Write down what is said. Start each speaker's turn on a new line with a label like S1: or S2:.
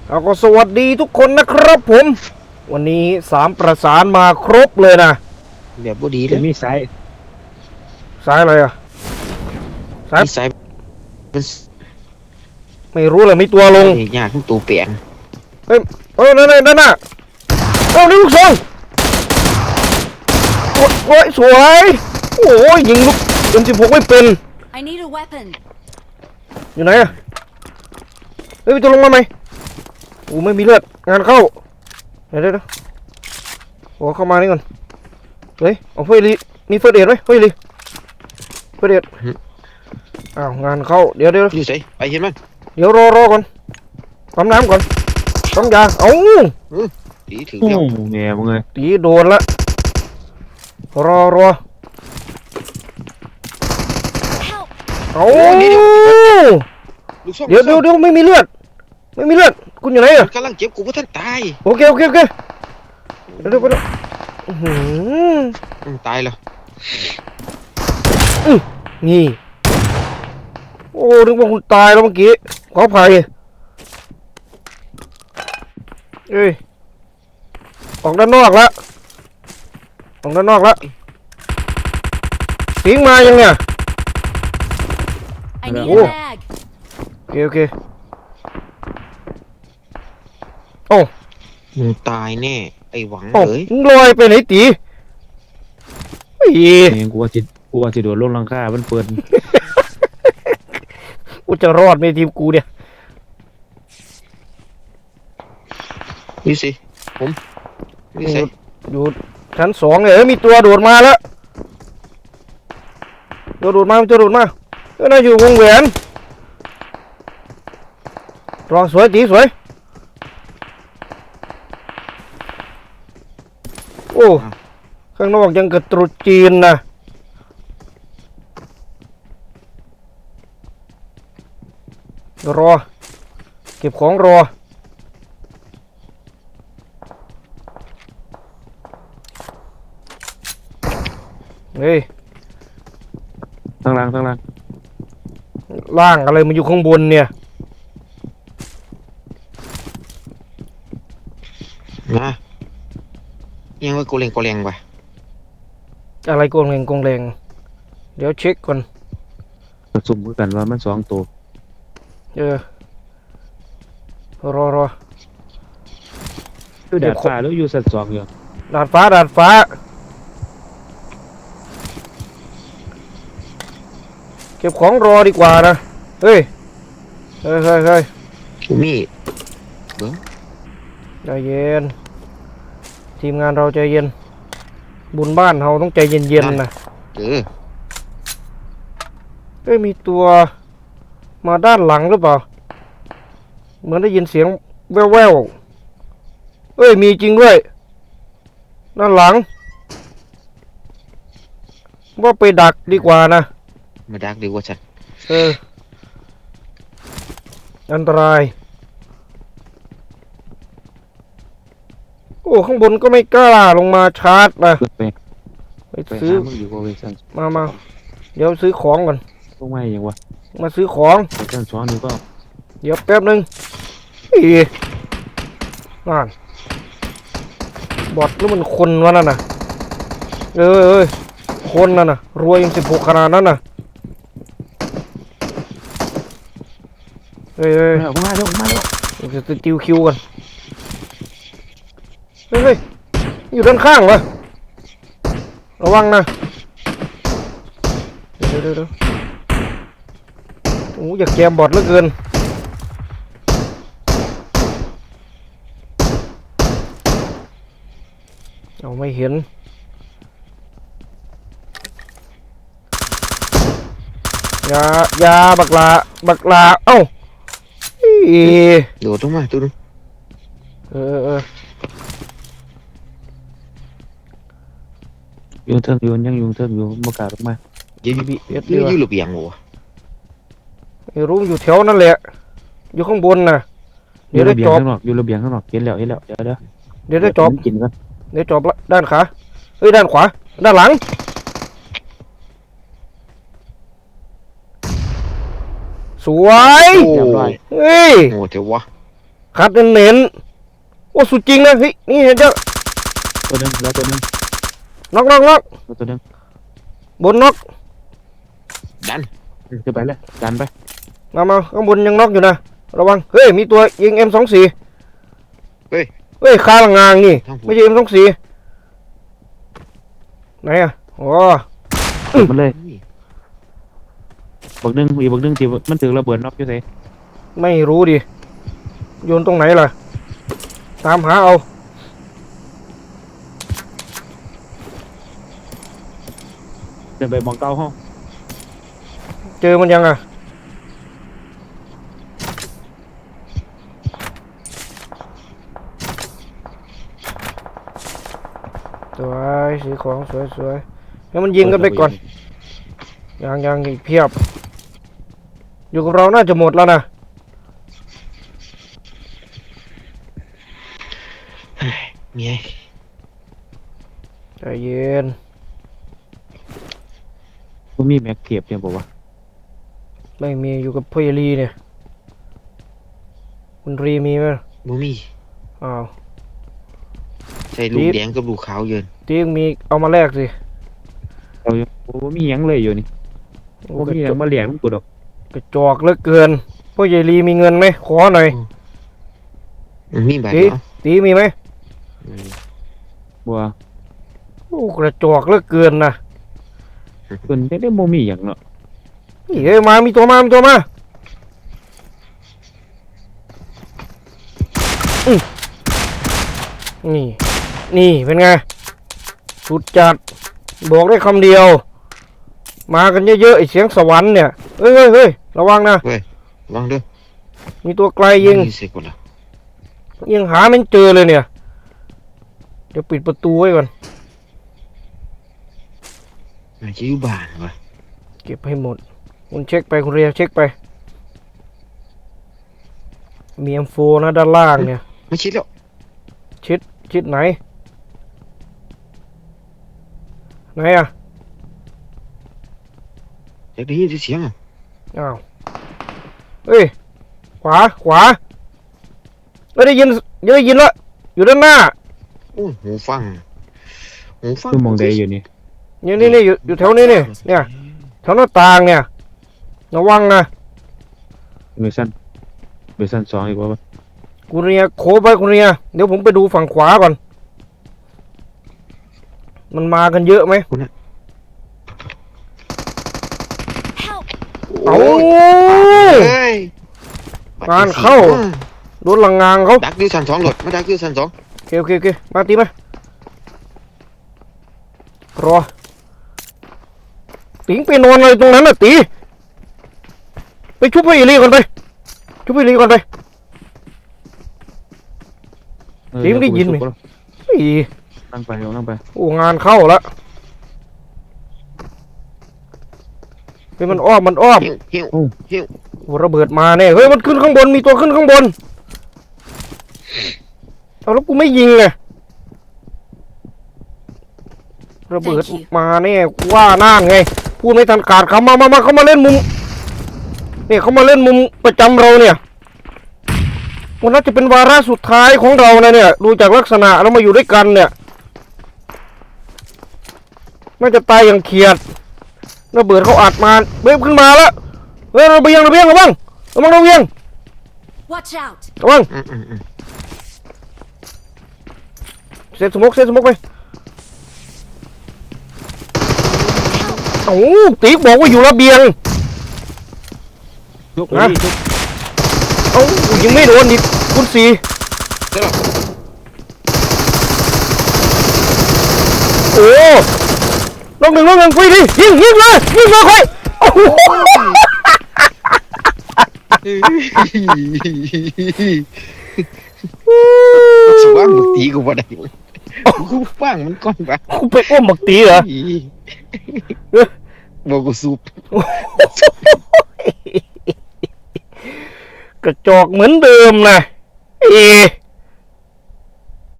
S1: เอาก็สวัสดีทุกคนนะครับผมวันนี้3ประสานมาครบเลยนะ
S2: แบบบ่ดีเล
S3: จะ
S2: ย
S3: มีสาย
S1: สายอะไรอ่ะสาย
S2: มีสายเป็น
S1: ไม่รู้เลยมีตัวลง
S2: ยากทุกตัวเปลี่ยน
S1: เฮ้ยนั่นน่ะเอานี่ลูกซองโอ้ยสวยโอ้ยยิงลูกM16ไม่เป็น
S4: I need a weapon.
S1: อยู่ไหนอ่ะเฮ้ยมีตัวลงมาไหมโอ้ไม่มีเลือดงานเข้าเดี๋ยวโอ้เข้ามานี่ก่อนเฮ้ยเอาเฟยลีมีเฟยเดดไหมเฟยลีเฟยเดดอ้าวงานเข้าเดี๋ยว
S2: อยู่ไสไปเห็นมัน
S1: เดี๋ยวรอก่อนปั๊มน้ำก่อนปั๊มยาเอ้า
S2: ดีถือ
S3: โอ้
S2: เดียว
S3: แง่มึงเลย
S1: ตีโดนละรอ
S4: Help!
S1: เอ้า
S2: ลูกซอง
S1: เดี๋ยวไม่มีเลือดคุณอยู่ไหนอ่ะ
S2: มันกำลังเจ็บกูเพราะท่านตาย
S1: โอเคเดี๋ยวอื้อหือ
S2: ตายแล้ว
S1: นี่โอ้นึกว่าคุณตายแล้วเมื่อกี้ขออภัยเอ้ยออกด้านนอกละสิงมายังเนี่ย
S4: I need
S1: Oh.
S4: a bag.
S1: โอเคโอ้
S2: มึงตายแน่ไอ้หวัง
S1: โอ้
S2: เลย
S1: มึงลอยไปไหนตีเฮ้ย
S3: แง่กูว่าสิโดดลงหลังคามันเปิด
S1: กูจะรอดไหมทีมกูเนี่ย
S2: นี่สิผมนี่สิ
S1: อยู่ชั้น2เนี่ยมีตัวโดดมาแล้วตัวโดดมาก็น่าอยู่วงแหวนรองสวยตีสวยโอ้ข้างนอกยังกระตรุษจีนนะรอเก็บของรอเฮ้ย
S3: ทั้งล่าง
S1: ล่างอะไรมันอยู่ข้างบนเนี่ย
S2: มายังว่ากูเล็งว่ะ
S1: อะไรโกงแรงเดี๋ยวเช็คก่อน
S3: สุ่มกันว่ามัน2ตัว
S1: รอ
S3: อยู่ดาดฟ้าแล้วอยู่สัตว์2อยู่
S1: ดาดฟ้าเก็บของรอดีกว่านะเฮ้ย
S2: กูมี
S1: ใจเย็นทีมงานเราใจเย็นบุญบ้านเราต้องใจเย็นๆนะ
S2: เออ
S1: เฮ้ยมีตัวมาด้านหลังหรือเปล่าเหมือนได้ยินเสียงแว่วเอ้ยมีจริงด้วยด้านหลังว่าไปดักดีกว่านะ
S2: มาดักดีกว่าฉัน
S1: อันตรายโอ้ข้างบนก็ไม่กล้าลงมาชาร์จนะ
S3: ไป
S1: ไป
S3: ไป
S1: ซื้อ
S3: หามึงอยู่บ่เว้ยซั่น
S1: มาเดี๋ยวซื้อของก่อน
S3: ลงมายังวะ
S1: มาซื้อของ
S3: ไปซั่น2นี่ก็
S1: เดี๋ยวแป๊บนึงอีนั่นบอดหรือมันคนวะนั่นน่ะเอ้ยคนนั่นน่ะรวยM16ขนาดนั้นน่ะเฮ้ย
S3: มาแล้ว
S1: จะติวคิวกันเฮ้ยอยู่ด้านข้างวะระวังนะเดี๋ยวโอ้อยากแกมบอดเหลือเกินเอาไม่เห็นยาบักลาเอ้าอี
S2: โดดลงมาตัวนึง
S3: อยู่เทิงอยู่ยังอยู่เทิงอยู่บ่กล้าลงมา
S2: ยืน
S1: BS
S2: ยืนอยู่ระเบียงวะ
S1: ไม่รู้อยู่แถวนั่นแหละอยู่ข้างบนน่ะ
S3: อ
S1: เดี๋ย
S3: ยู่
S1: วได้
S3: ระเบียง
S1: จอบ
S3: ข้างนอกอยู่ระเบียงข้างนอกเห็นแล้วเดี๋ยว
S1: เดี๋ยวได้จอบ
S3: กินกัน
S1: เดี๋ยวจอบละด้านขาเฮ้ยด้านขวาด้านหลังสวย
S2: โอ้
S3: เรียบร้อย
S1: เฮ้ย
S2: โหเถอะวะ
S1: คัดเน้นๆโอ้สุดจริงนะเฮ้ยนี่เห็นเจ้า
S3: ตัวหนึงแล้วตัวหนึง
S1: น็อกน็อกน็อก
S3: แล้วตัวหนึง
S1: บนน็อก
S2: ดัน
S3: ขึ้นไปเลยดันไป
S1: มาข้างบนยังน็อกอยู่นะระวังเฮ้ยมีตัวยิง M24
S2: เฮ้ย
S1: เฮ้ยคาหลังงางนี่
S2: ทางผม
S1: ไม่ใช่ M24 ไหนอ่ะอ๋อ
S3: มันเลยบักหนึงอีกบักหนึงที่มันถึงระเบิดน็อกอยู่ไส
S1: ไม่รู้ดิโยนตรงไหนล่ะตามหาเอา
S3: เดินไปมองเก้าห้อง
S1: เจอมันยังอ่ะสวยสีของสวยให้มันยิงกันไปก่อนยังอีกเพียบ อยู่กับเราน่าจะหมดแล้วนะ
S2: เมีย
S1: ใจเย็น
S3: บ่มีแม็กเทียบเนี่ยบอกว่า
S1: ไม่มีอยู่กับพ่อยลีเนี่ยคุณรีมีไหม
S2: บ่มี
S1: อ้าว
S2: ใส่ลูกแดงกับลูกขาวเยิน
S1: ตียังมีเอามาแลกสิ
S3: เอาอยู่บ่มีหยังเลยอยู่นี่
S1: โอ้
S3: บ่มีหยังมาเลี้ยงกูดอก
S1: กระจอกเหลือเกินพ่อยลีมีเงินไหมขอหน่อย
S2: มันมีบาด
S1: ตี
S2: เนาะ
S1: ตีมีไหม
S3: บัว
S1: โอ้กระจอกเหลือเกินนะ
S3: เพิ่นได้บ่มีหยังเนาะ
S1: นี่เอ้ยมามีตัวมาอื้อนี่เป็นไงสุดจัดบอกได้คำเดียว มากันเยอะๆไอเสียงสวรรค์เนี่ยเฮ้ยระวังนะ
S2: ระวังเด้อ
S1: มีตัวไกลยิง
S2: มีเสกก่อนละ
S1: ยังหาไม่เจอเลยเนี่ยเดี๋ยวปิดประตูไว้ก่อน
S2: มันจะอยู่บ้านวะ
S1: เก็บให้หมดคุณเช็คไปคุณเรียเช็คไปมีM4นะด้านล่างเนี่ย
S2: ไม่ชิดแล้ว
S1: ชิดไหนอ่ะ
S2: อยากได้ยินเสียงอ่ะ
S1: อ้าวเฮ้ยขวาไม่ได้ยินละอยู่ด้านหน้า
S2: โอ้ยหูฟัง
S3: คือมองได้อยู่นี่
S1: นี่อยู่แถวนี้เนี่ยแถวหน้าต่างเนี่ยระวังนะ
S3: เวอร์ชัน2อีกว่า
S1: คุณเรียโคไปคุณเรียเดี๋ยวผมไปดูฝั่งขวาก่อนมันมากันเยอะไหม
S4: Help!
S1: เอา
S2: เฮ้ย
S1: งานเข้า โดนหลังงางเขา
S2: ดักอยู่ชั้น2หลดมาดักอยู่ชั้น2
S1: โอเคมาตีมารอติ๋งไปนอนอะไรตรงนั้นน่ะตีไปชุบไปอีลีก่อนไปติ๋งได้ยินไหม อี
S3: นั่งไป
S1: โอ้งานเข้าละเฮ้ยมันอ้อม
S2: หิว
S1: โอ้ระเบิดมาแน่เฮ้ยมันขึ้นข้างบนมีตัวขึ้นข้างบนเอาแล้วกูไม่ยิงไงระเบิดมาแน่กูว่าน่านไงพูดไม่ทันขาดคำมาเขามาเล่นมุมเนี่ยเขามาเล่นมุมประจำเราเนี่ยวันนั้นจะเป็นวาระสุดท้ายของเรานะเนี่ยดูจากลักษณะเรามาอยู่ด้วยกันเนี่ยน่าจะตายอย่างเขียดระเบิดเขาอัดมาเบิ้มขึ้นมาแล้วเฮ้ยระเบียงระวังระวัง
S4: Watch out!
S1: ระวังเซตสมกไปโอ้ติ๊กบอกว่าอยู่ระเบียง
S3: ยก
S1: นะ เอ้ายังไม่โดนอีกคุณสีโอ้ลงหนึ่งไปดิยิงเลยค่อยโอ้โห
S2: สิว่ามึงตีกูบ่ได้กูฟังมันก่อนปะ
S1: กูไปอ้อมบักตีเหรอ
S2: บอกกูสูบ
S1: กระจอกเหมือนเดิมนะเอ